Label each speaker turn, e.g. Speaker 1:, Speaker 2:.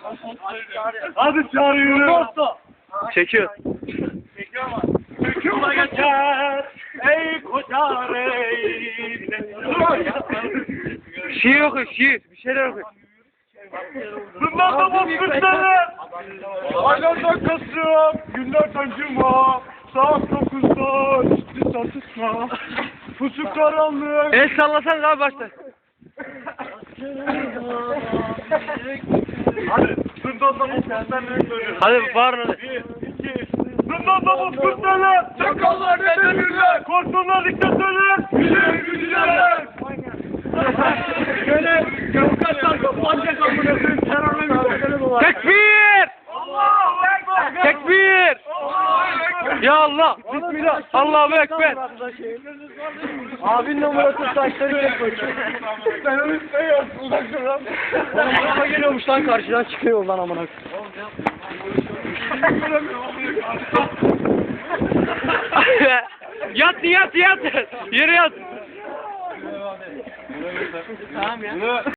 Speaker 1: Hadi çağır yürü.
Speaker 2: Çekiyor.
Speaker 1: Hüküme geçer. Ey kocar ey.
Speaker 2: Şiir oku, şiir. Bir şeyler oku.
Speaker 1: Bundan da bozkırtları. Aylardan Kasım, günlerden Cuma. Saat 9'da ciddi tartışma. Pusuk karanlık.
Speaker 2: El sallasan abi başta.
Speaker 1: Hadi, bundan da bozkırtları söylüyorum.
Speaker 2: Hadi bağırın hadi.
Speaker 1: 1, 2, bundan da bozkırtları. Çakallar ne demirler. Korkunlar diktatörler. Güzel güçler. Şöyle avukatlar toplanacak amına koyayım terörle mücadele mi var?
Speaker 2: Tekbir!
Speaker 1: Allahu Ekber!
Speaker 2: Tekbir!
Speaker 1: Allahu Ekber!
Speaker 2: Ya Allah! Bismillah! Allahu Ekber!
Speaker 3: Abinin numarası saçları çek bakayım.
Speaker 1: Sen onu istiyorsun uzak dur lan.
Speaker 3: Oğlum araba geliyormuş lan karşıdan çıkıyor lan amına.
Speaker 2: Yat yat yat! Yere yat!
Speaker 3: Tamam ya.